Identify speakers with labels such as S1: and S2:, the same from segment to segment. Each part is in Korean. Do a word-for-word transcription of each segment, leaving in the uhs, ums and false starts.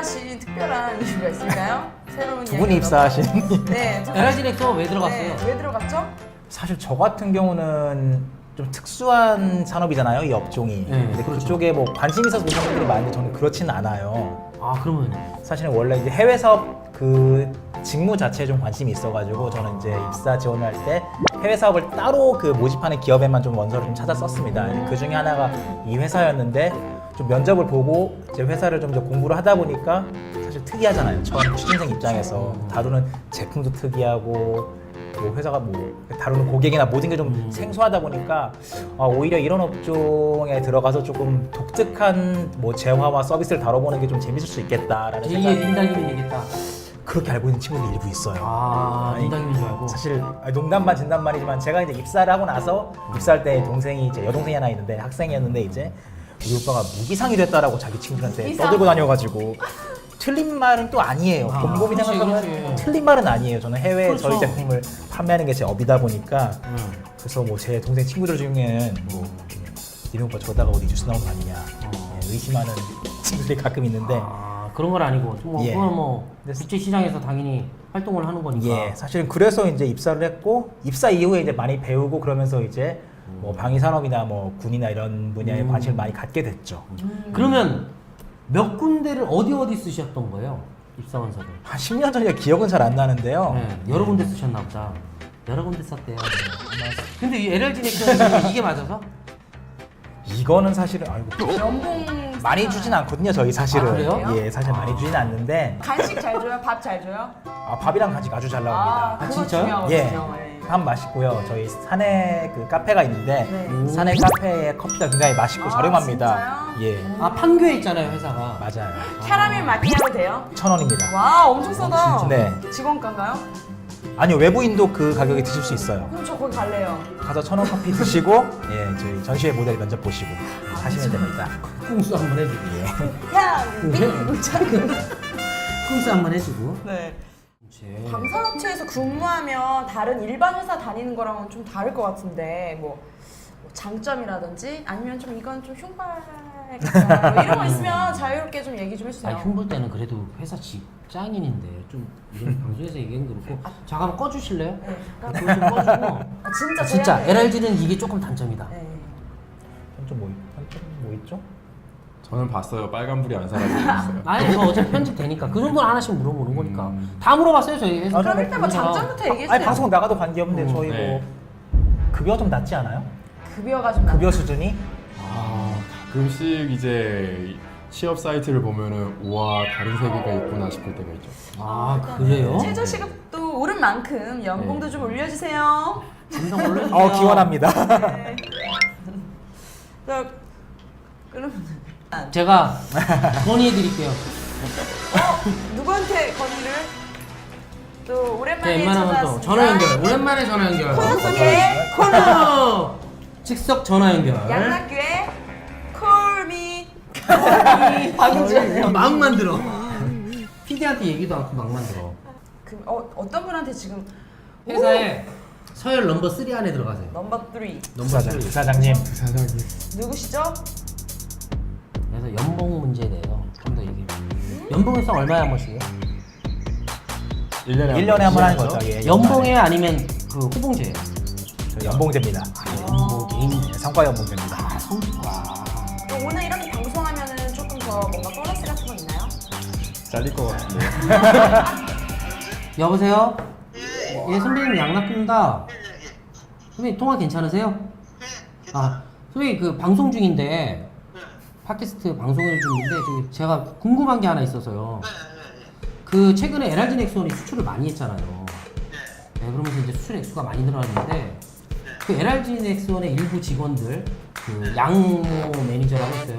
S1: 입사하신 특별한 이유가 있을까요? 새로운
S2: 두 분이 입사하신.
S1: 네.
S3: 엘아이진 엑소 왜 들어갔어요?
S1: 네, 왜 들어갔죠?
S2: 사실 저 같은 경우는 좀 특수한 산업이잖아요, 이 업종이.
S3: 네,
S2: 근데
S3: 그렇죠.
S2: 그쪽에 뭐 관심 있어서 오는 분들이 많은데 저는 그렇지는 않아요.
S3: 아 그러면
S2: 사실은 원래 이제 해외 사업 그 직무 자체에 좀 관심이 있어가지고 저는 이제 입사 지원을 할 때 해외 사업을 따로 그 모집하는 기업에만 좀 원서를 좀 찾았었습니다. 그 중에 하나가 이 회사였는데 좀 면접을 보고 이제 회사를 좀 이제 공부를 하다 보니까 사실 특이하잖아요. 처음 취준생 입장에서 다루는 제품도 특이하고 뭐 회사가 뭐 다루는 고객이나 모든 게 좀
S3: 음.
S2: 생소하다 보니까 아, 오히려 이런 업종에 들어가서 조금 독특한 뭐 재화와 서비스를 다뤄보는 게 좀 재밌을 수 있겠다라는
S3: 제이의
S2: 생각이
S3: 린다김이 되겠다.
S2: 그렇게 알고 있는 친구들이 일부 있어요.
S3: 아
S2: 아니,
S3: 린다김인 줄 알고.
S2: 사실 농담반 진담반이지만 제가 이제 입사를 하고 나서 입사할 때 동생이 이제 여동생이 하나 있는데 학생이었는데 이제 우리 오빠가 무기상이 됐다라고 자기 친구들한테
S1: 무기상?
S2: 떠들고 다녀가지고 틀린 말은 또 아니에요.
S3: 아,
S2: 곰곰이
S3: 그렇지,
S2: 생각하면
S3: 그렇지.
S2: 틀린 말은 아니에요. 저는 해외
S3: 그렇죠.
S2: 저희 제품을 판매하는 게 제 업이다 보니까
S3: 응.
S2: 그래서 뭐 제 동생 친구들 중에는 뭐 니네 오빠 저러다가 어디 뉴스 나온 거 아니냐
S3: 어.
S2: 예, 의심하는 친구들이 가끔 있는데
S3: 아 그런 건 아니고 뭐
S2: 예.
S3: 그건 뭐
S2: 네.
S3: 국제 시장에서 당연히 활동을 하는 거니까.
S2: 예, 사실은 그래서 이제 입사를 했고 입사 이후에 이제 많이 배우고 그러면서 이제 뭐 방위 산업이나 뭐 군이나 이런 분야에
S3: 음.
S2: 관심을 많이 갖게 됐죠.
S3: 그러면 몇 군데를 어디 어디 쓰셨던 거예요? 입사원서를.
S2: 한 십 년 전이라 기억은 잘 안 나는데요.
S3: 네, 여러 군데 쓰셨나 보다. 여러 군데 썼대요. 근데 이 엘알진 액션이 이게 맞아서?
S2: 이거는 사실은 아이고
S1: 연봉
S2: 많이 주진 않거든요. 저희 사실은.
S3: 아, 그래요?
S2: 예, 사실 많이 주진 않는데
S1: 간식 잘 줘요? 밥 잘 줘요?
S2: 아, 밥이랑 같이 아주 잘
S1: 아,
S2: 나옵니다.
S1: 그거
S3: 진짜요?
S1: 중요하거든요.
S2: 예.
S1: 예.
S2: 밥 맛있고요. 저희 산에 그 카페가 있는데
S1: 네.
S2: 산에 카페의 커피가 굉장히 맛있고
S1: 아,
S2: 저렴합니다.
S1: 진짜요?
S2: 예,
S3: 아 판교에 있잖아요 회사가.
S2: 맞아요.
S1: 캐러멜 마키아도 돼요?
S2: 천 원입니다.
S1: 와, 엄청 싸다.
S2: 네.
S1: 직원가인가요?
S2: 아니요, 외부인도 그 가격에 드실 수 있어요.
S1: 그럼 저 거기 갈래요.
S2: 가서 천 원 커피 드시고 예, 저희 전시회 모델 면접 보시고 하시면 됩니다.
S3: 쿵수 한번 해주고.
S2: 예.
S1: 야,
S3: 네.
S1: 민
S3: 쿵수 한번 해주고.
S1: 네.
S3: 그렇지.
S1: 방산업체에서 근무하면 다른 일반 회사 다니는 거랑은 좀 다를 것 같은데 뭐, 뭐 장점이라든지 아니면 좀 이건 좀 흉발 같다 뭐 이런 거 있으면 자유롭게 좀 얘기 좀 해주세요.
S3: 아 흉볼 때는 그래도 회사 직장인인데 좀 이런 방송에서 얘기하는 거 그렇고 잠깐 한번 꺼주실래요?
S1: 네,
S3: 그거
S1: 잠깐.
S3: 좀 꺼주고.
S1: 아, 진짜
S3: 진짜
S1: 저희한테-
S3: 엘알진은 이게 조금 단점이다.
S1: 네.
S2: 단점 뭐, 단점 뭐 있죠?
S4: 저는 봤어요. 빨간불이 안 사라지고 있어요.
S3: 아니 저 어차피 편집되니까 그 정도는 하나씩 물어보는 거니까
S4: 음.
S3: 다 물어봤어요 저희 회사.
S2: 아,
S1: 그럼
S2: 네,
S1: 일단 뭐
S3: 그래서
S1: 장점부터 얘기해
S2: 아니
S1: 주세요.
S2: 방송 나가도 관계없는데
S3: 음,
S2: 저희
S4: 네.
S2: 뭐 급여 좀 낮지 않아요?
S1: 급여가 좀
S2: 급여
S1: 낮-
S2: 수준이?
S4: 아, 가끔씩 이제 취업 사이트를 보면은 우와 다른 세계가 있구나 싶을 때가 있죠.
S3: 아 그래요?
S1: 최저 시급도 오른 만큼 연봉도
S4: 네.
S1: 좀 올려주세요.
S3: 감성 올려주세요.
S2: 어, 기원합니다.
S1: 네. 자, 그러면
S3: 제가 건의해드릴게요.
S1: 어, 누구한테 건의를? 또 오랜만에
S3: 제 웬만하면 또
S1: 찾아왔습니다.
S3: 전화 연결. 오랜만에 전화 연결.
S1: 코너 속에
S3: 코너 즉석 전화 연결.
S1: 양락교의 콜미 방금 전에
S3: 막 만들어. 피디한테 얘기도 않고 막 만들어.
S1: 그, 어, 어떤 분한테 지금
S3: 회사에 서열 넘버 쓰리 안에 들어가세요.
S1: 넘버 쓰리
S3: 넘버
S2: 부사장,
S3: 쓰리.
S2: 부사장님.
S4: 사장님.
S1: 누구시죠?
S3: 그래서 연봉 문제에 대해서 좀 더 얘기해. 연봉 협상 얼마에 한 번씩이에요?
S4: 일 년에
S2: 일 년에 한 번 하는
S4: 번이죠?
S2: 거죠. 예,
S3: 연봉에 아니면 그 호봉제예요?
S2: 저 연봉제입니다.
S3: 연봉 개인
S2: 예, 성과 연봉제입니다.
S3: 아 성과.
S1: 또 오늘 이렇게 방송하면은 조금 더 뭔가 보너스 같은 거 있나요?
S4: 잘릴 것 같은데.
S3: 여보세요? 예 선배님 양락입니다. 선배님 통화 괜찮으세요? 아 선배님 그 방송 중인데 팟캐스트 방송을 중인데 저기 제가 궁금한 게 하나 있어서요. 그 최근에 엘알진 엑스원이 수출을 많이 했잖아요. 네, 그러면서 이제 수출 액수가 많이 늘어났는데 그 엘알진 엑스원의 일부 직원들 그 양모 매니저라고 있어요.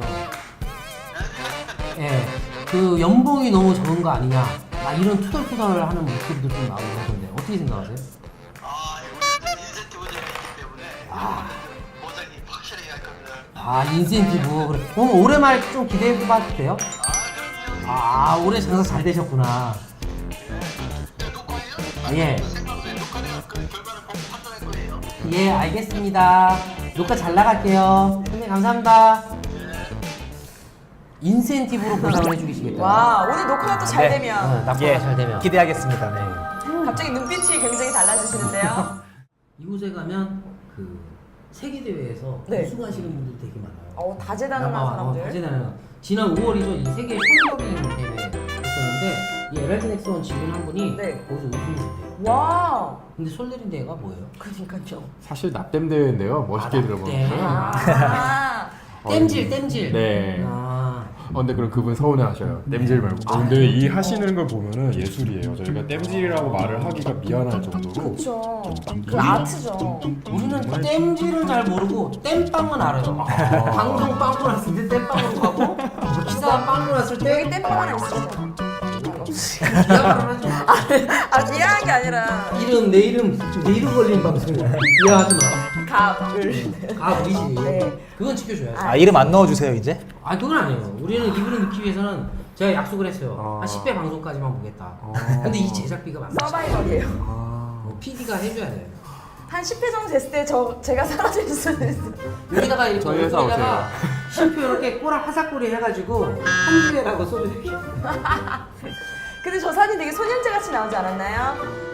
S3: 예, 그 연봉이 너무 적은 거 아니냐? 막 이런 투덜투덜하는 목소리도 좀 나오고 그러던데 어떻게 생각하세요?
S5: 아, 이거는 인센티브 제도이기 때문에
S3: 아,
S5: 보상이 확실하게 할 겁니다.
S3: 아 인센티브. 그래. 그럼 올해 말 좀 기대해봐도 돼요?
S5: 아, 그럼요.
S3: 아, 올해 장사 잘 되셨구나.
S5: 네, 녹화예요?
S3: 아, 예,
S5: 생방송에 녹화돼서 그 결과를 보고 판단할 거예요.
S3: 예, 알겠습니다. 녹화 잘 나갈게요. 선생님 감사합니다. 인센티브로 보상을 해주시겠다.
S1: 와 오늘 녹화가 또 잘
S2: 네.
S1: 되면
S3: 어, 낙서가
S2: 예,
S3: 잘 되면.
S2: 기대하겠습니다. 네.
S1: 갑자기 눈빛이 굉장히 달라지시는데요.
S3: 이곳에 가면 그 세계 대회에서
S1: 네.
S3: 우승하시는 분들 되게 많아요.
S1: 어 다재다능한
S3: 아, 아,
S1: 사람들.
S3: 다재다능한. 지난 오월이죠. 이 세계 숄더링 대회 했었는데 이 엘알디 넥스원 직원 한 분이
S1: 네.
S3: 거기서 우승했대요.
S1: 와
S3: 근데 숄더링 대회가 뭐예요?
S1: 그러니까요.
S4: 사실 납땜 대회인데요. 멋있게
S3: 아,
S4: 들어보는데.
S3: 납땜.
S1: 아
S3: 땜질, 땜질.
S4: 네.
S3: 아,
S4: 어, 근데 그럼 그분 서운해하셔요. 땜질 말고. 어, 근데 이 하시는 걸 보면은 예술이에요. 저희가 땜질이라고 말을 하기가 미안할 정도로.
S1: 그렇죠. 그 아트죠.
S3: 우리는 땜질은 잘 모르고 땜빵은 알아요. 방송 빵꾸 났을 때 땜빵으로 가고 뭐 기사 빵꾸 났을 때
S1: 여기 땜빵 하나 있어요.
S3: 기사를 하죠.
S1: 아 미안한 게 아니라
S3: 이름 내 이름 내 이름 걸린 방송이야. 이해하지 마.
S1: 갑을.
S3: 아 우리지.
S1: 네.
S3: 그건 지켜줘야지.
S2: 아 이름 안 넣어주세요 이제?
S3: 아 그건 아니에요. 우리는 이분을 넣기 위해서는 제가 약속을 했어요.
S4: 아.
S3: 한 십 배 방송까지만 보겠다.
S4: 아.
S3: 근데 이 제작비가 많아.
S1: 서바이벌이에요.
S4: 아.
S3: 피디가 해줘야 돼.
S1: 한 십 회 정도 됐을 때 저 제가 사라질 수도 있어요.
S3: 여기다가 이렇게
S4: 저희 회사
S3: 여기다가 쉼표 이렇게 꼬라 화사꼬리 해가지고 한주회라고 써주세요.
S1: 근데 저 사진 되게 소년제 같이 나오지 않았나요?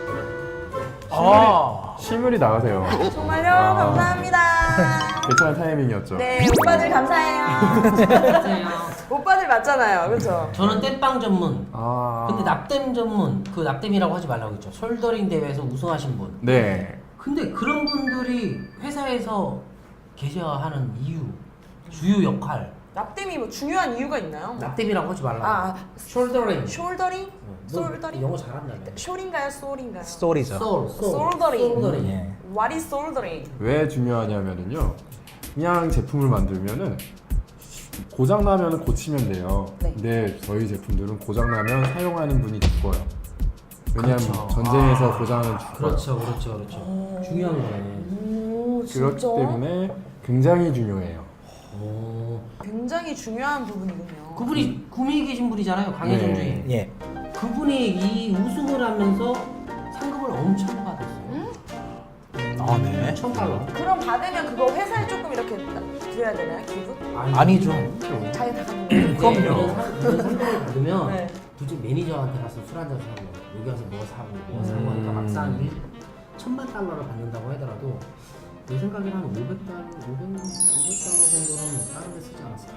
S2: 아
S4: 실물이 나가세요.
S1: 정말요?
S4: 아.
S1: 감사합니다.
S4: 괜찮은 타이밍이었죠.
S1: 네, 오빠들 감사해요.
S3: 안녕하세요.
S1: 오빠들 맞잖아요, 그렇죠?
S3: 저는 땜빵 전문.
S4: 아.
S3: 근데 납땜 전문. 그 납땜이라고 하지 말라고 했죠. 숄더링 대회에서 우승하신 분.
S4: 네.
S3: 근데 그런 분들이 회사에서 계셔야 하는 이유, 주요 역할.
S1: 납땜이 뭐 중요한 이유가 있나요?
S3: 납땜이라고 하지 말라고.
S1: 아,
S3: 숄더링.
S1: 숄더링?
S3: 너
S1: 솔더링?
S3: 영어 잘한다며.
S1: 숄인가요, 솔인가요?
S2: 스토리죠.
S3: 솔, 솔.
S1: 솔더링.
S3: 솔더링.
S2: 예.
S1: What is 솔더링?
S4: 왜 중요하냐면은요. 그냥 제품을 만들면은 고장 나면은 고치면 돼요.
S1: 네.
S4: 근데 저희 제품들은 고장 나면 사용하는 분이 죽어요. 왜냐하면
S3: 그렇죠.
S4: 전쟁에서 고장은 죽어요.
S3: 그렇죠, 그렇죠, 그렇죠. 중요한 거네.
S1: 오, 진짜?
S4: 그렇기 때문에 굉장히 중요해요.
S3: 오.
S1: 굉장히 중요한 부분이군요.
S3: 그분이 구미에 계신 분이잖아요, 강혜정
S4: 네.
S3: 주인.
S2: 예.
S3: 그분이 이 우승을 하면서 상금을 엄청 받았어요.
S2: 아 네.
S3: 천 달러.
S1: 그럼 받으면 그거 회사에 조금 이렇게 드려야 되나요? 기부?
S2: 아니죠.
S1: 자기 다 갖는 거예요?
S3: 그럼요. 이런 상- 이런 상금을 받으면
S1: 네.
S3: 굳이 매니저한테 가서 술 한잔 사고 여기 와서 뭐 사고 뭐 사고 하니까 막상 일 천만 달러를 받는다고 하더라도 내 생각에는 한 오백 달러, 오백, 오백 달러 정도는 다른 데 쓰지 않았을까?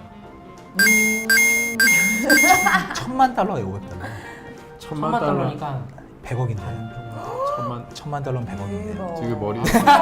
S2: 천만 달러에 오백 달러.
S4: 천만,
S3: 천만
S4: 달러.
S3: 달러니까
S2: 백억인데.
S4: 천만.
S2: 천만 달러면 백억인데.
S1: 대박.
S4: 지금 머리에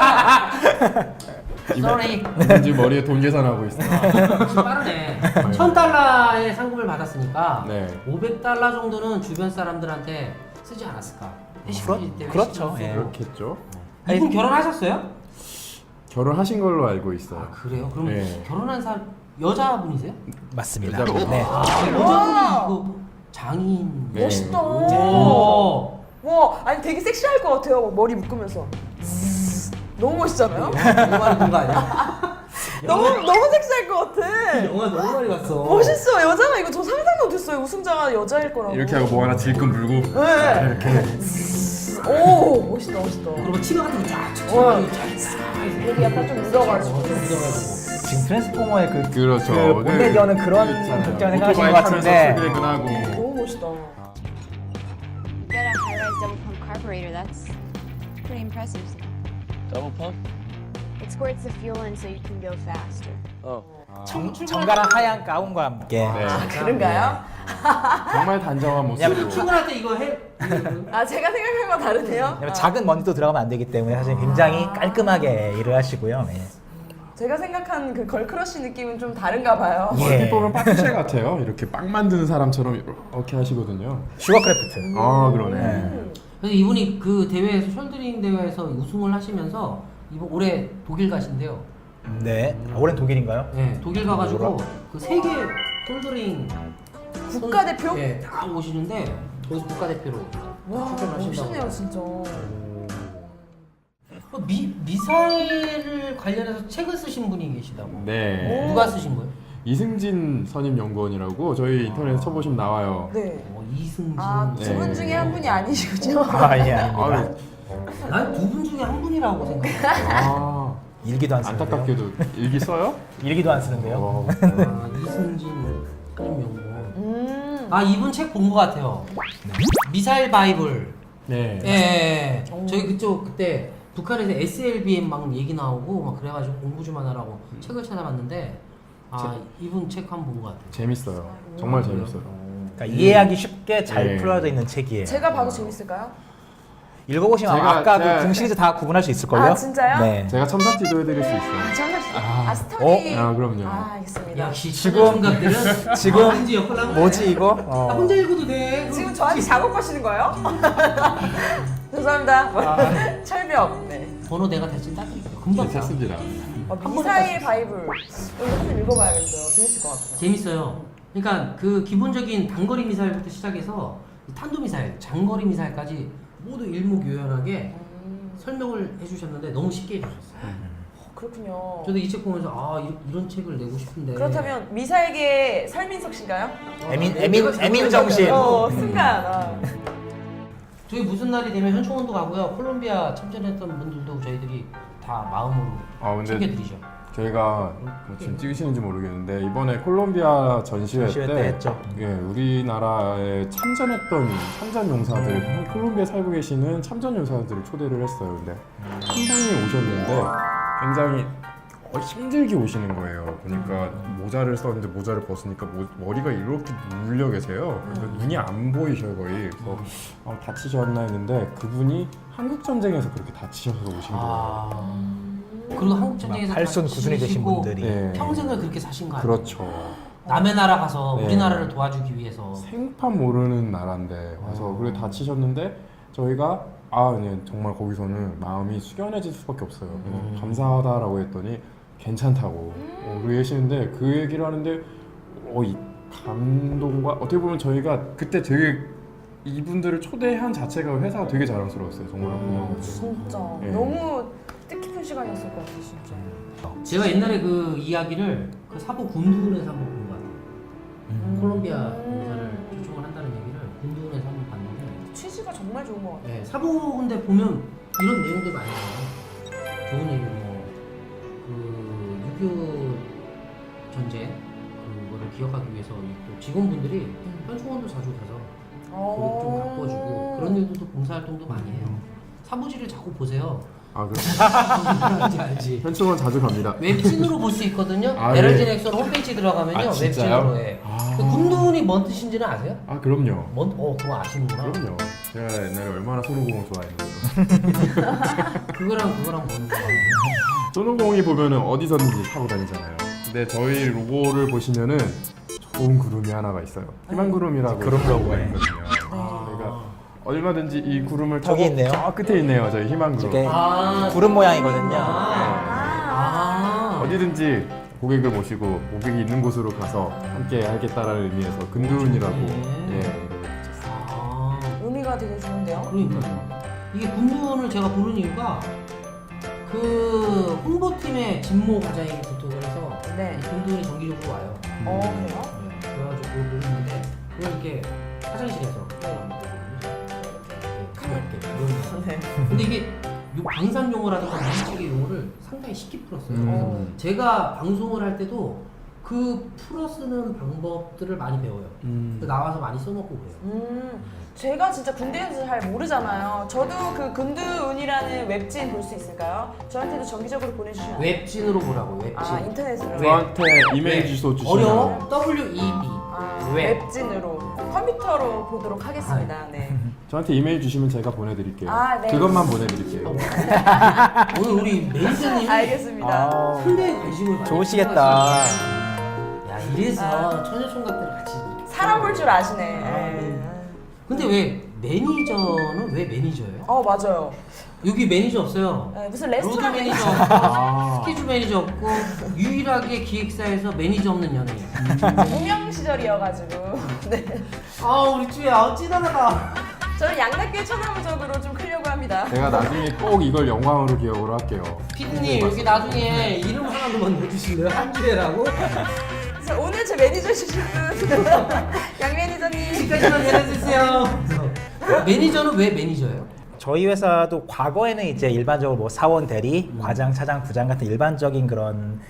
S3: sorry.
S4: 지금 머리에 돈 계산하고 있어요.
S3: 지금 빠르네. 천 달러의 상금을 받았으니까
S4: 네.
S3: 오백 달러 정도는 주변 사람들한테 쓰지 않았을까?
S2: 그렇-
S3: 회식 때
S2: 그렇죠.
S3: 회식
S2: 예.
S3: 쓰고.
S4: 그렇겠죠.
S3: 이분 결혼하셨어요?
S4: 결혼하신 걸로 알고 있어요.
S3: 아 그래요? 그럼
S4: 네.
S3: 결혼한 사람 여자분이세요?
S2: 맞습니다.
S4: 여자분.
S2: 네.
S3: 아 여자분이 이거 장인.
S4: 네.
S1: 멋있다.
S3: 오.
S1: 와, 아니 되게 섹시할 것 같아요. 막 머리 묶으면서. 너무 멋있잖아요?
S3: 너무 많이 본 거 아니야?
S1: 너무 너무 섹시할 것 같아.
S3: 영화 너무 많이 봤어.
S1: 멋있어. 여자가 이거 저 상상도 못했어요. 우승자가 여자일 거라고.
S4: 이렇게 하고 뭐 하나 질끈 물고
S1: 네. 오, 멋있다, 멋있다.
S3: 그리고 치마 같은 거쫙
S1: 와.
S3: 쫙.
S1: 여기 약간 좀 묻어가지고.
S3: 묻어가지고.
S2: 지금 트랜스포머의 그,
S4: 그렇죠.
S2: 그 본대디어는 그런
S4: 있잖아요.
S2: 극장을 생각하시는
S4: 오토바이
S2: 것
S4: 타면서
S2: 같은데
S4: 출퇴근하고.
S1: 너무 멋있다.
S6: Get a high-rise double pump carburetor. That's pretty impressive.
S7: Double pump?
S6: It squirts the fuel in so you can go faster.
S7: Oh.
S2: 정, 정갈한 하얀 가운과 함께
S4: 네.
S1: 그런가요?
S4: 정말 단정한 모습으로.
S3: 출근할 때 이거 해.
S1: 아, 제가 생각한 건 다르네요.
S2: 왜냐면
S1: 아,
S2: 작은 먼지도 들어가면 안 되기 때문에 사실 굉장히 깔끔하게 일을 하시고요. 예.
S1: 제가 생각한 그 걸크러쉬 느낌은 좀 다른가 봐요.
S2: 예.
S4: 얼핏 보면 파티셰 같아요. 이렇게 빵 만드는 사람처럼 이렇게 하시거든요.
S2: 슈거크래프트.
S4: 아 그러네.
S1: 음.
S3: 그래서 이분이 그 대회에서 숄더링 대회에서 우승을 하시면서 이번 올해 독일 가신대요.
S2: 네. 아, 올해는 독일인가요?
S3: 네, 독일 가가지고 그 세계 숄더링
S1: 국가대표?
S3: 네, 다 오시는데 거기서 국가대표로
S1: 와,
S3: 출전하신다고.
S1: 멋있네요, 진짜.
S3: 어, 미 미사일을 관련해서 책을 쓰신 분이 계시다고.
S4: 네.
S3: 누가 쓰신 거예요?
S4: 이승진 선임연구원이라고 저희 인터넷에 쳐보시면 나와요.
S1: 네.
S3: 어, 이승진.
S1: 아, 두 분
S4: 네.
S1: 중에 한 분이 아니시군요.
S2: 아, 예, 아닙니다.
S4: 아유,
S3: 난 두 분 중에 한 분이라고 생각해.
S4: 아,
S2: 일기도 안 쓰는데요.
S4: 안타깝게도 일기 써요?
S2: 일기도 안 쓰는데요.
S4: 어,
S3: 아, 이승진. 크림 용고.
S1: 음.
S3: 아 이분 책 본 것 같아요. 미사일 바이블.
S4: 네.
S3: 예, 예, 예.
S1: 오.
S3: 저희 그쪽 그때 북한에서 에스엘비엠 막 얘기 나오고 막 그래가지고 공부 좀 하느라고 책을 찾아봤는데 아 이분 책 한 번 본 것 같아요.
S4: 재밌어요. 정말 재밌어요.
S2: 그러니까 이해하기 쉽게 잘
S4: 네.
S2: 풀어져 있는 책이에요.
S1: 제가 봐도 재밌을까요?
S2: 읽어보시면
S4: 제가-
S2: 아까
S4: 제가-
S2: 그 궁시리즈 다 구분할 수 있을걸요?
S1: 아, 진짜요?
S2: 네.
S4: 제가 첨삭지도 해드릴 수 있어요.
S1: 아, 정말
S4: 아.
S1: 아, 스토리.
S4: 아, 그럼요.
S1: 아, 알겠습니다.
S3: 역시
S2: 지금-
S3: 청각들은
S2: 지금
S3: 왠지 역할 나오네.
S2: 뭐지 이거? 어.
S3: 나 혼자 읽어도 돼.
S1: 지금 저한테 작업하시는 거예요? 죄송합니다.
S2: 아.
S1: 철벽. 네.
S3: 번호 내가 대신 따드릴게요. 금방 다.
S4: 괜찮습니다.
S1: 어, 미사일 바이블. 이거 한번 읽어봐야겠어요. 재밌을 것 같아요.
S3: 재밌어요. 그러니까 그 기본적인 단거리 미사일부터 시작해서 탄도 미사일, 장거리 미사일까지 모두 일목요연하게
S1: 음,
S3: 설명을 해주셨는데 너무 쉽게 해주셨어요.
S1: 어, 그렇군요.
S3: 저도 이 책 보면서 아 이런, 이런 책을 내고 싶은데.
S1: 그렇다면 미사일계 설민석 씨인가요?
S2: 에민
S3: 네,
S2: 에민
S3: 내가
S2: 에민
S3: 생각해봤어요.
S2: 정신.
S1: 어, 순간. 아.
S3: 저희 무슨 날이 되면 현충원도 가고요. 콜롬비아 참전했던 분들도 저희들이 다 마음으로
S4: 아, 근데
S3: 챙겨드리죠.
S4: 저희가 뭐 지금 찍으시는지 모르겠는데 이번에 콜롬비아 전시회,
S2: 전시회 때 했죠.
S4: 예, 우리나라에 참전했던 참전 용사들, 콜롬비아 살고 계시는 참전 용사들을 초대를 했어요. 근데 한 분이 오셨는데 굉장히 어, 힘들게 오시는 거예요. 그러니까 모자를 썼는데 모자를 벗으니까 모, 머리가 이렇게 물려 계세요. 그래서 눈이 안 보이셔요 거의. 그래서 어, 다치셨나 했는데 그분이 한국 전쟁에서 그렇게 다치셔서 오신 거예요.
S3: 아 그리고 한국 전쟁에서
S2: 막 팔순
S3: 다
S2: 구순이 되신
S3: 지내시고
S2: 분들이.
S4: 네.
S3: 평생을 그렇게 사신 거 아니에요?
S4: 그렇죠.
S3: 남의 나라 가서
S4: 네.
S3: 우리나라를 도와주기 위해서.
S4: 생판 모르는 나라인데 와서
S3: 어.
S4: 그래 다치셨는데 저희가 아 네, 정말 거기서는 마음이 숙연해질 수밖에 없어요. 그래서
S3: 음.
S4: 감사하다라고 했더니 괜찮다고 어, 그러시는데 그 얘기를 하는데 어, 이 감동과 어떻게 보면 저희가 그때 되게 이분들을 초대한 자체가 회사가 되게 자랑스러웠어요. 정말
S3: 음.
S4: 그냥
S1: 진짜.
S4: 예.
S1: 너무 뜻깊은 시간이었을 것 같아요, 진짜.
S3: 제가 옛날에 그 이야기를 그 사부 군두군에서 한번 본 것 같아요.
S2: 음.
S3: 콜롬비아 용사를 초청을 한다는 얘기를 군두군에서 한번 봤는데
S1: 취지가 정말 좋은 것 같아요.
S3: 네, 사부 군대 보면 이런 내용들 많이 나와요. 좋은 얘기 뭐그 육이오 전쟁 그거를 기억하기 위해서 이또 직원분들이 현충원도 자주 가서 그걸 좀 가꿔주고 그런 일들도 봉사활동도 많이 해요. 사부지를 자꾸 보세요.
S4: 아 그럼
S3: 알지 알지.
S4: 현충원 자주 갑니다.
S3: 웹진으로 볼 수 있거든요.
S4: 아,
S3: 에럴진
S4: 네.
S3: 엑소로 홈페이지 들어가면요.
S4: 아, 진짜요?
S3: 웹진으로 해.
S4: 아.
S3: 그 군두군이 뭔 뜻인지는 아세요?
S4: 아 그럼요.
S3: 뭔? 어 그거 아시는구나.
S4: 그럼요. 제가 옛날에 얼마나 손오공을 좋아했는데요.
S3: 그거랑 그거랑 뭔 거야?
S4: 손오공이 보면은 어디서든지 타고 다니잖아요. 근데 저희 로고를 보시면은 좋은 구름이 하나가 있어요. 희망 구름이라고
S2: 구름 로고에.
S4: 있거든요.
S3: 아.
S4: 저희가 얼마든지 이 구름을
S2: 저기
S4: 타고
S2: 있네요.
S4: 저 끝에 있네요. 저희 희망 구름.
S2: 저게
S3: 아,
S2: 구름 모양이거든요.
S3: 아.
S4: 어디든지 고객을 모시고 고객이 있는 곳으로 가서 함께 하겠다라는 의미에서 근두운이라고
S3: 네.
S4: 예.
S3: 아.
S1: 의미가 되게 좋은데요.
S3: 그러니까요. 이게 군두군을 제가 부른 이유가 그 홍보팀의 진모 과장에게 부탁을 해서
S1: 네.
S3: 이 군두군이 정기적으로 와요.
S1: 어, 그래요?
S3: 네. 그래가지고 그걸 부르는데 그걸 이렇게 화장실에서 가볍게 이러면서.
S1: 네.
S3: 근데 이게 요 방산 용어라든가 문책의 용어를 상당히 쉽게 풀었어요.
S4: 음.
S3: 그래서 제가 방송을 할 때도 그 풀어 쓰는 방법들을 많이 배워요.
S4: 음.
S3: 그래서 나와서 많이 써먹고 그래요.
S1: 음, 제가 진짜 군대에서 잘 모르잖아요. 저도 그 근두운이라는 웹진 볼 수 있을까요? 저한테도 정기적으로 보내주시면 안 돼요?
S3: 웹진으로 보라고 웹진.
S1: 아, 인터넷으로.
S4: 저한테 이메일
S3: 웹.
S4: 주소 주시면
S3: 어려워? W E B.
S1: 아,
S3: 웹.
S1: 웹진으로 컴퓨터로 보도록 하겠습니다. 네.
S4: 저한테 이메일 주시면 제가 보내드릴게요.
S1: 아, 네.
S4: 그것만 보내드릴게요.
S3: 오늘 우리 매니저님이
S1: 알겠습니다.
S2: 아,
S3: 상당히 관심을 많이
S2: 좋으시겠다.
S3: 야 이래서 처녀총각들 같이
S1: 사람 볼 줄 아시네.
S3: 아,
S1: 네.
S3: 근데 왜 매니저는 왜 매니저예요?
S1: 어, 맞아요.
S3: 여기 매니저 없어요.
S1: 네, 무슨
S3: 로드
S1: 레스토랑
S3: 매니저
S1: 매니저.
S3: 없고
S4: 아.
S3: 스케줄 매니저 없고 유일하게 기획사에서 매니저 없는 연예인.
S1: 무명 시절이어가지고. 네.
S3: 아 우리 쭈야 아, 찌다하다.
S1: 저는 양락교의 천하무적으로 좀 크려고 합니다.
S4: 제가 나중에 꼭 이걸 영광으로 기억으로 할게요.
S3: 피디님 여기 나중에 이름 하나만 넣어주실래요? 한주혜라고?
S1: 자, 오늘 제 매니저 주신 분. 양 매니저님.
S3: 여기까지만 전해주세요. 매니저는 왜 매니저예요?
S2: 저희 회사도 과거에는 이제 일반적으로 뭐 사원 대리, 과장, 차장, 부장 같은 일반적인 그런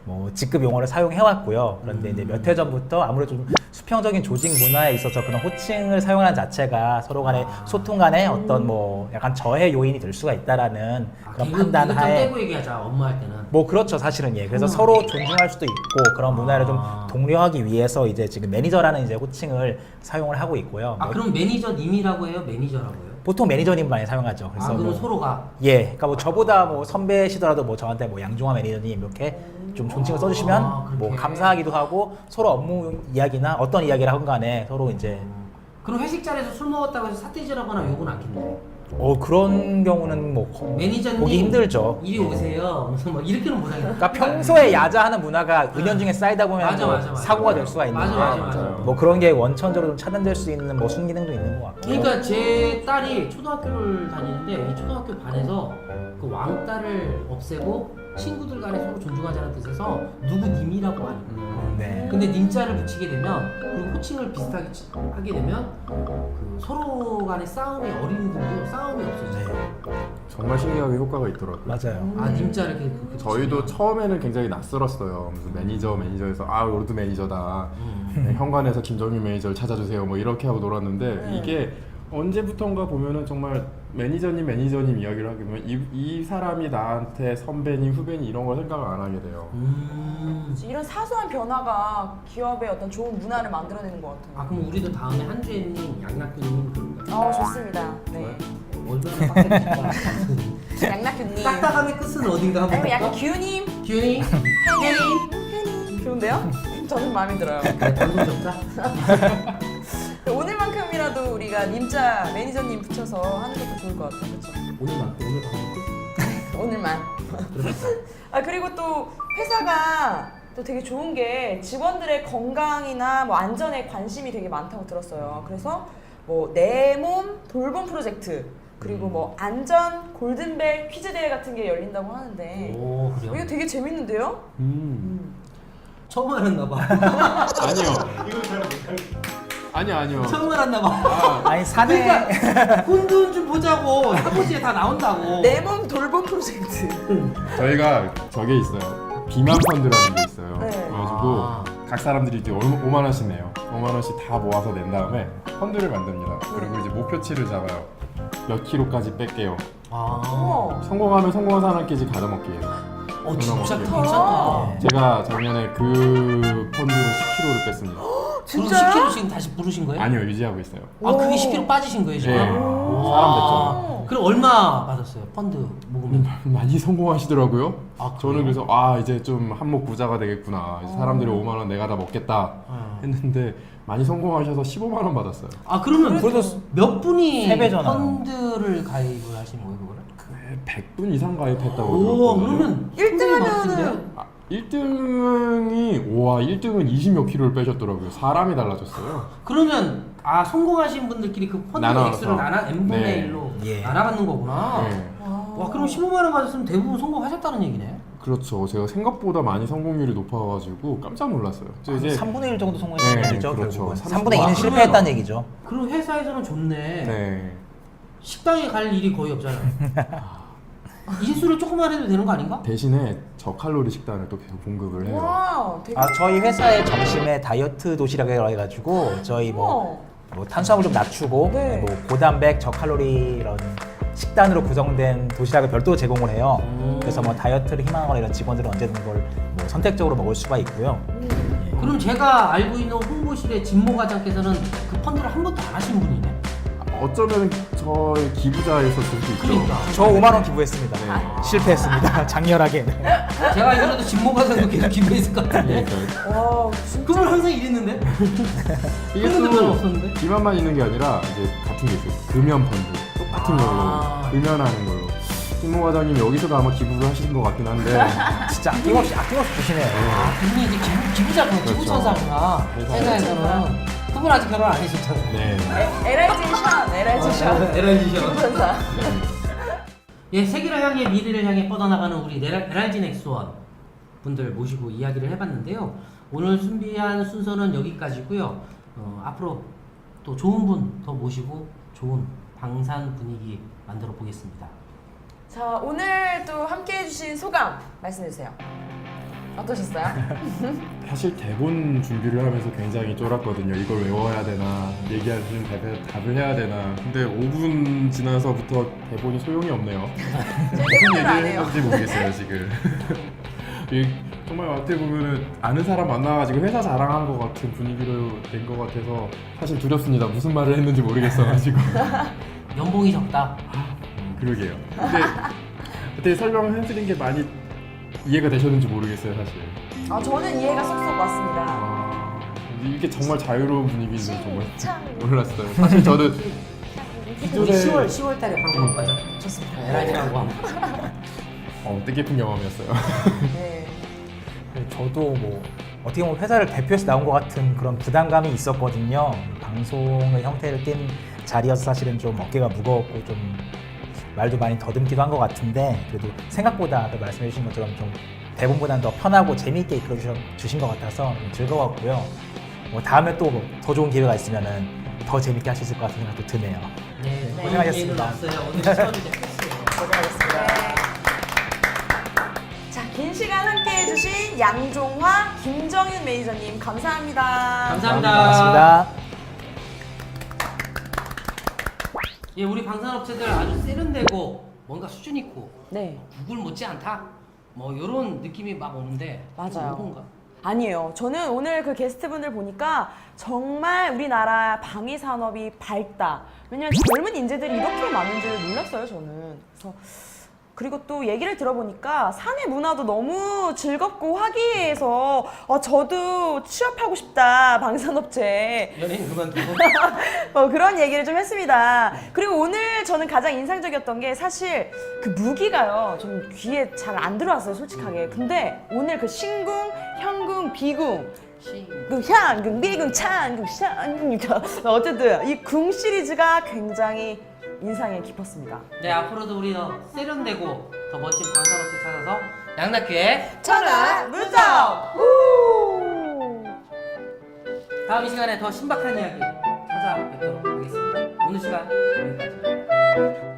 S2: 뭐 직급 용어를 사용해왔고요. 그런데 이제 몇 해 전부터 아무래도 좀 수평적인 조직 문화에 있어서 그런 호칭을 사용하는 자체가 서로 간의 소통 간의 어떤 뭐 약간 저해 요인이 될 수가 있다라는
S3: 아,
S2: 그런
S3: 개그,
S2: 판단
S3: 개그 좀
S2: 하에
S3: 떼고 얘기하자. 업무할 때는.
S2: 뭐 그렇죠 사실은 예 그래서 서로 존중할 수도 있고 그런 문화를 좀
S3: 아.
S2: 독려하기 위해서 이제 지금 매니저라는 이제 호칭을 사용을 하고 있고요.
S3: 아
S2: 뭐
S3: 그럼 매니저님이라고 해요? 매니저라고 해요?
S2: 보통 매니저님 많이 사용하죠.
S3: 아
S2: 그래서
S3: 그럼
S2: 뭐
S3: 서로가
S2: 예, 그러니까 뭐 저보다 뭐 선배시더라도 뭐 저한테 뭐 양종화 매니저님 이렇게 좀 존칭을 써주시면
S3: 아, 그렇게.
S2: 뭐 감사하기도 하고 서로 업무 이야기나 어떤 이야기를 하건 간에 서로 이제
S3: 그럼 회식 자리에서 술 먹었다고 해서 사태질하거나 욕은 안 했네.
S2: 어 그런 경우는 뭐 거-
S3: 매니저님
S2: 보기 힘들죠.
S3: 이리 오세요. 무슨 뭐 이렇게는 못 하겠다.
S2: 그러니까 평소에 야자하는 문화가 은연중에 쌓이다 보면
S3: 맞아,
S2: 뭐
S3: 맞아, 맞아.
S2: 사고가 될 수가 있는데
S3: 맞아, 맞아, 맞아.
S2: 뭐 그런 게 원천적으로 좀 차단될 수 있는 뭐 순기능도 있는 것 같고.
S3: 그러니까 제 딸이 초등학교를 다니는데 이 초등학교 반에서 그 왕따를 없애고 친구들 간에 서로 존중하자는 뜻에서 누구 님이라고 하는 거예요.
S2: 네.
S3: 근데 님자를 붙이게 되면 그리고 호칭을 비슷하게 치- 하게 되면 그 서로 간의 싸움이 어린이들도 싸움이 없어져요.
S4: 정말 신기하게 효과가 있더라고요.
S2: 맞아요.
S3: 아 님자를 이렇게 그렇게
S4: 저희도
S3: 붙이면.
S4: 처음에는 굉장히 낯설었어요. 무슨 매니저 매니저에서 아 로드 매니저다.
S3: 음.
S4: 네, 현관에서 김정민 매니저를 찾아주세요. 뭐 이렇게 하고 놀았는데
S1: 네.
S4: 이게 언제부턴가 보면은 정말 매니저님 매니저님 이야기를 하게 되면 이, 이 사람이 나한테 선배님 후배님 이런 걸 생각을 안 하게 돼요.
S3: 음.
S1: 이런 사소한 변화가 기업의 어떤 좋은 문화를 만들어내는 것 같아요.
S3: 아 그럼 우리도 다음에 한주혜님, 양락교님 그런가?
S1: 어 좋습니다. 네.
S3: 얼마나 빡빡했을까?
S1: 양락규님.
S3: 딱딱함의 끝은 어딘가 한번
S1: 아니면 약간
S3: 볼까?
S1: 규님,
S3: 규현이? 혜리?
S1: 혜니 좋은데요? 저는 마음에 들어요.
S3: 그래 방송 접자.
S1: 오늘만큼이라도 우리가 님자 매니저님 붙여서 하는 것도 좋을 것 같아요. 그렇죠?
S3: 오늘만 오늘 방송 끝?
S1: 오늘만.
S3: 그러겠다.
S1: 아 그리고 또 회사가 또 되게 좋은 게 직원들의 건강이나 뭐 안전에 관심이 되게 많다고 들었어요. 그래서 뭐 내 몸 돌봄 프로젝트 그리고 뭐 안전 골든벨 퀴즈 대회 같은 게 열린다고 하는데
S3: 오
S1: 이거
S3: 그래요?
S1: 되게 재밌는데요?
S4: 음.
S3: 처음 알았나 봐.
S4: 아니요. 아니요 아니요.
S3: 처음 알았나 봐.
S4: 아,
S2: 아니 사내
S3: 그러니까 훈훈 좀 보자고 사고지에 다 나온다고.
S1: 내 몸 돌봄 프로젝트.
S4: 저희가 저게 있어요. 비만 펀드라는 게 있어요.
S1: 네.
S4: 그래가지고
S3: 아.
S4: 각 사람들이 이제 오만 원씩 내요. 오만 원씩 다 모아서 낸 다음에 펀드를 만듭니다. 그리고 이제 목표치를 잡아요. 몇 킬로까지 뺄게요.
S3: 아.
S1: 어.
S4: 성공하면 성공한 사람끼리 가져먹기예요.
S3: 어 진짜
S4: 먹기.
S3: 괜찮다.
S4: 제가 작년에 그 펀드로 십 킬로를 뺐습니다.
S3: 그럼
S1: 진짜요?
S3: 십 킬로 지금 다시 부르신 거예요?
S4: 아니요 유지하고 있어요.
S3: 아 그게 십 킬로 빠지신 거예요 지금?
S4: 네.
S3: 오.
S4: 사람 됐죠.
S3: 그럼 얼마 받았어요? 펀드 모금이?
S4: 많이 성공하시더라고요.
S3: 아,
S4: 저는
S3: 그래요?
S4: 그래서 아 이제 좀 한몫 부자가 되겠구나. 이제 사람들이 오만 원 내가 다 먹겠다
S3: 어.
S4: 했는데 많이 성공하셔서 십오만 원 받았어요.
S3: 아 그러면
S2: 그래도
S3: 몇 분이
S2: 세 배잖아요.
S3: 펀드를 가입을 하신 거예요 그거를?
S4: 백 분 이상 가입했다고
S3: 오
S4: 들었거든요.
S3: 그러면
S1: 일 등
S3: 손님이
S1: 하면은
S3: 많던데요?
S4: 아, 일 등이 와 일 등은 이십 몇 킬로를 빼셨더라고요. 사람이 달라졌어요.
S3: 그러면 아 성공하신 분들끼리 그 펀드
S4: 나눠서.
S3: 액수를 나눠 n분의
S4: 네.
S3: 일로
S2: 예.
S3: 나눠갖는 거구나.
S4: 네.
S3: 와 그럼 십오만 원 받았으면 대부분 성공하셨다는 얘기네.
S4: 그렇죠. 제가 생각보다 많이 성공률이 높아가지고 깜짝 놀랐어요. 저 이제
S2: 삼분의 일 정도 성공했다는
S4: 네,
S2: 얘기죠.
S4: 그렇죠.
S2: 결국은.
S4: 삼-
S2: 삼분의 이는
S3: 와,
S2: 실패했다는
S3: 그러면-
S2: 얘기죠.
S3: 그럼 회사에서는 좋네.
S4: 네.
S3: 식당에 갈 일이 거의 없잖아요. 이실수를 조금만 해도 되는 거 아닌가?
S4: 대신에 저칼로리 식단을 또 계속 공급을 해요.
S1: 와 되게
S2: 아 저희 회사의 점심에 다이어트 도시락이라고 해가지고 저희 뭐,
S1: 어.
S2: 뭐 탄수화물 좀 낮추고
S1: 네.
S2: 뭐 고단백 저칼로리 이런 식단으로 구성된 도시락을 별도로 제공을 해요.
S3: 음.
S2: 그래서 뭐 다이어트를 희망하거나 이런 직원들은 언제든 그걸 뭐 선택적으로 먹을 수가 있고요.
S3: 그럼 제가 알고 있는 홍보실의 진모 과장께서는 그 펀드를 한 번도 안 하신 분이네.
S4: 어쩌면 저의 기부자에서 줄 수 있죠.
S3: 그러니까.
S2: 저 오만 원 기부했습니다.
S4: 네.
S2: 실패했습니다. 장렬하게.
S3: 제가 알기로도 진모 과장도 계속 기부했을 것 같은데.
S4: 그러니까
S1: 와 진짜
S3: 그분 항상 이랬는데?
S4: 이게
S3: 펀드 별로
S4: 또
S3: 없었는데?
S4: 비만만 있는 게 아니라 이제 같은 게 있어요. 금연 펀드 똑같은
S3: 아.
S4: 걸로 금연하는 걸로. 신모 과장님 여기서도 아마 기부를 하시는 것 같긴 한데
S2: 진짜 아낌없이 아낌없이 주시네요.
S3: 아, 그분이 이제 기부, 기부자구나,
S4: 그렇죠.
S3: 기부천사구나.
S4: 회사에서.
S3: 회사에서는. 그분 아직 결혼 안 하셨잖아요.
S4: 네.
S1: 에라이제이션 에라이제이션
S3: 에라이제이션.
S1: 천사.
S3: 예, 세계를 향해 미래를 향해 뻗어나가는 우리 에라이진 엑스원 분들 모시고 이야기를 해봤는데요. 오늘 준비한 순서는 여기까지고요. 어, 앞으로 또 좋은 분 더 모시고 좋은 방산 분위기 만들어 보겠습니다.
S1: 자 오늘 또 함께 해주신 소감 말씀해주세요. 어떠셨어요?
S4: 사실 대본 준비를 하면서 굉장히 쫄았거든요. 이걸 외워야 되나, 얘기하시는 답에 답을 해야 되나. 근데 오 분 지나서부터 대본이 소용이 없네요. 무슨
S1: 대본을 안
S4: 얘기를
S1: 해요.
S4: 했는지 모르겠어요 지금. 이 정말 어떻게 보면은 아는 사람 만나가지고 회사 자랑한 것 같은 분위기로 된 것 같아서 사실 두렵습니다. 무슨 말을 했는지 모르겠어가지고.
S3: 연봉이 적다.
S4: 그러게요. 근데 그때 설명을 해드린 게 많이 이해가 되셨는지 모르겠어요 사실.
S1: 아, 저는 이해가 쏙쏙 왔습니다.
S4: 아, 이게 정말 자유로운 분위기인지 정말
S1: 참.
S4: 몰랐어요. 사실 저는
S3: 우리
S4: 기존에
S3: 시월 시월 달에 방송 가자.
S1: 좋습니다.
S3: 에라이라고 함.
S4: 어, 뜻깊은 경험이었어요.
S1: 네.
S2: 저도 뭐 어떻게 보면 회사를 대표해서 나온 것 같은 그런 부담감이 있었거든요. 방송의 형태를 띈 자리여서 사실은 좀 어깨가 무거웠고 좀 말도 많이 더듬기도 한 것 같은데 그래도 생각보다 아까 말씀해 주신 것처럼 좀 대본보다는 더 편하고 재미있게 이끌어 주신 것 같아서 좀 즐거웠고요. 뭐 다음에 또 더 좋은 기회가 있으면은 더 재밌게 할 수 있을 것 같은 생각도 드네요.
S3: 네,
S2: 고생하셨습니다.
S3: 없어요. 오늘 시험이 됐어요.
S1: 고생하셨습니다. 자, 긴 시간 함께 해주신 양종화, 김정윤 매니저님 감사합니다.
S3: 감사합니다.
S2: 고맙습니다.
S3: 예, 우리 방산업체들 아주 세련되고 뭔가 수준 있고
S1: 네.
S3: 구글 못지 않다. 뭐 이런 느낌이 막 오는데
S1: 맞아요.
S3: 뭔가
S1: 아니에요. 저는 오늘 그 게스트분들 보니까 정말 우리나라 방위 산업이 밝다. 왜냐면 젊은 인재들이 이렇게 많은 줄 몰랐어요, 저는. 그래서 그리고 또 얘기를 들어보니까 사내 문화도 너무 즐겁고 화기애애해서 어, 저도 취업하고 싶다, 방산업체.
S3: 연예인 그만두고
S1: 어, 그런 얘기를 좀 했습니다. 그리고 오늘 저는 가장 인상적이었던 게 사실 그 무기가요. 좀 귀에 잘 안 들어왔어요, 솔직하게. 근데 오늘 그 신궁, 현궁, 비궁,
S3: 시
S1: 그 현궁, 비궁, 찬궁, 샹궁 어쨌든 이 궁 시리즈가 굉장히 인상이 깊었습니다.
S3: 네, 앞으로도 우리 더 세련되고 더 멋진 방산업체 찾아서 양락교회
S1: 천하 무적! 우!
S3: 다음 이 시간에 더 신박한 이야기 찾아뵙도록 하겠습니다. 오늘 시간 여기까지.